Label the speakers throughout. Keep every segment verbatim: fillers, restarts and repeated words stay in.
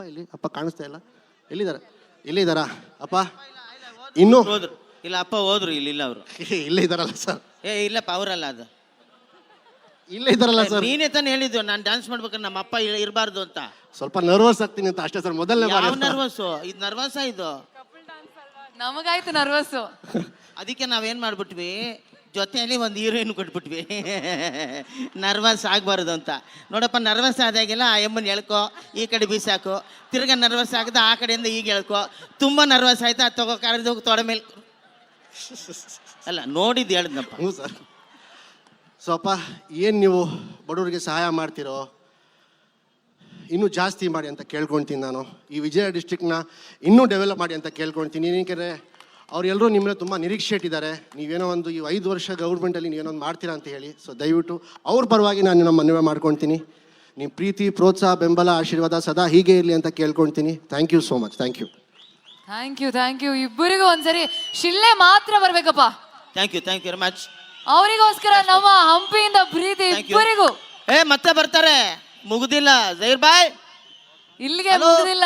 Speaker 1: ಇಲ್ಲಿ ಅಪ್ಪ ಕಾಣಿಸ್ತಾ ಇಲ್ಲ. ಎಲ್ಲಿದ್ದಾರೆ? ಎಲ್ಲಿದ್ದಾರಾ ಅಪ್ಪ? ಇನ್ನು
Speaker 2: ಹೋದ್ರು ಇಲ್ಲ ಅಪ್ಪ ಹೋದ್ರು ಇಲ್ಲಿ ಇಲ್ಲ ಅವರು
Speaker 1: ಇಲ್ಲೇ ಇದ್ದಾರಲ್ಲ ಸರ್.
Speaker 2: ಏ ಇಲ್ಲಪ್ಪ ಅವರಲ್ಲ ಅದು
Speaker 1: ಇಲ್ಲೇ ಇದ್ದಾರಲ್ಲ ಸರ್.
Speaker 2: ನೀನೇ ತಾನೇ ಹೇಳಿದ್ದು ನಾನು ಡ್ಯಾನ್ಸ್ ಮಾಡ್ಬೇಕಾದ್ರೆ ನಮ್ಮ ಅಪ್ಪ ಇರಬಾರ್ದು ಅಂತ.
Speaker 1: ಸ್ವಲ್ಪ ನರ್ವಸ್ ಆಗ್ತೀನಿ ಅಂತ ಅಷ್ಟೇ ಸರ್. ಮೊದಲನೇ ಬಾರಿ.
Speaker 2: ಯಾವ ನರ್ವಸ್ ಇದು? ನರ್ವಸ್ ಇದು
Speaker 3: ನಮಗಾಯ್ತು ನರ್ವಸ್.
Speaker 2: ಅದಕ್ಕೆ ನಾವೇನ್ ಮಾಡ್ಬಿಟ್ವಿ, ಜೊತೆಯಲ್ಲಿ ಒಂದು ಹೀರೋಯಿನ್ ಕೊಟ್ಬಿಟ್ವಿ ನರ್ವಸ್ ಆಗಬಾರ್ದು ಅಂತ. ನೋಡಪ್ಪ, ನರ್ವಸ್ ಆದಾಗೆಲ್ಲ ಆ ಎಮ್ಮನ್ ಎಳ್ಕೊ, ಈ ಕಡೆ ಬೀಸಾಕು, ತಿರ್ಗಾ ನರ್ವಸ್ ಆಗದ ಆ ಕಡೆಯಿಂದ ಈಗ ಎಳ್ಕೊ. ತುಂಬ ನರ್ವಸ್ ಆಯ್ತಾ ಅದು ತಗೋ ಕರೆದು ತೊಡೆ ಮೇಲೆ ಅಲ್ಲ ನೋಡಿದ್ದು ಹೇಳಿದ್ನಪ್ಪ.
Speaker 1: ಹ್ಞೂ ಸರ್. ಸೊ ಅಪ್ಪ, ಏನು ನೀವು ಬಡವರಿಗೆ ಸಹಾಯ ಮಾಡ್ತಿರೋ ಇನ್ನೂ ಜಾಸ್ತಿ ಮಾಡಿ ಅಂತ ಕೇಳ್ಕೊಳ್ತೀನಿ ನಾನು. ಈ ವಿಜಯ ಡಿಸ್ಟ್ರಿಕ್ಟ್ನ ಇನ್ನೂ ಡೆವಲಪ್ ಮಾಡಿ ಅಂತ ಕೇಳ್ಕೊಳ್ತೀನಿ. ಏಕೆಂದರೆ ಅವರೆಲ್ಲರೂ ನಿಮ್ಮನ್ನ ತುಂಬ ನಿರೀಕ್ಷೆ ಇಟ್ಟಿದ್ದಾರೆ. ನೀವೇನೋ ಒಂದು ಈ ಐದು ವರ್ಷ ಗೌರ್ಮೆಂಟಲ್ಲಿ ನೀವೇನೋ ಒಂದು ಮಾಡ್ತೀರಾ ಅಂತ ಹೇಳಿ. ಸೊ ದಯವಿಟ್ಟು ಅವ್ರ ಪರವಾಗಿ ನಾನು ನಮ್ಮ ಮನವಿ ಮಾಡ್ಕೊಳ್ತೀನಿ. ನಿಮ್ಮ ಪ್ರೀತಿ, ಪ್ರೋತ್ಸಾಹ, ಬೆಂಬಲ, ಆಶೀರ್ವಾದ ಸದಾ ಹೀಗೆ ಇರಲಿ ಅಂತ ಕೇಳ್ಕೊಳ್ತೀನಿ. Thank you so much. Thank you
Speaker 3: thank you thank you ಇಬ್ಬರಿಗೂ ಒಂದ್ಸರಿ ಶಿಲ್ಲೆ ಮಾತ್ರ ಬರ್ಬೇಕಪ್ಪ.
Speaker 2: Thank you thank you very much.
Speaker 3: ಅವರಿಗೋಸ್ಕರ ನಮ್ಮ ಹಂಪಿಯಿಂದ ಪ್ರೀತಿ ಇಬ್ಬರಿಗೂ.
Speaker 2: ಏ ಮತ್ತೆ ಬರ್ತಾರೆ, ಮುಗುದಿಲ್ಲ ಜೈರ್ ಬಾಯ್,
Speaker 3: ಇಲ್ಲಿಗೆ ಮುಗಿದಿಲ್ಲ,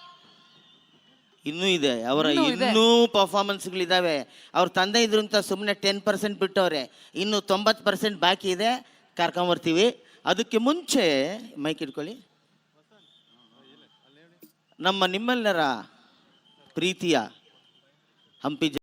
Speaker 2: ಇನ್ನೂ ಇದೆ ಅವರ ಇನ್ನೂ ಪರ್ಫಾರ್ಮೆನ್ಸ್ಗಳಿದ್ದಾವೆ. ಅವ್ರ ತಂದೆ ಇದ್ರು ಅಂತ ಸುಮ್ಮನೆ ಟೆನ್ ಪರ್ಸೆಂಟ್ ಬಿಟ್ಟವ್ರೆ, ಇನ್ನು ತೊಂಬತ್ತು ಪರ್ಸೆಂಟ್ ಬಾಕಿ ಇದೆ, ಕರ್ಕೊಂಬರ್ತೀವಿ. ಅದಕ್ಕೆ ಮುಂಚೆ ಮೈಕ್ ಇಟ್ಕೊಳ್ಳಿ. ನಮ್ಮ ನಿಮ್ಮೆಲ್ಲರ ಪ್ರೀತಿಯ ಹಂಪಿ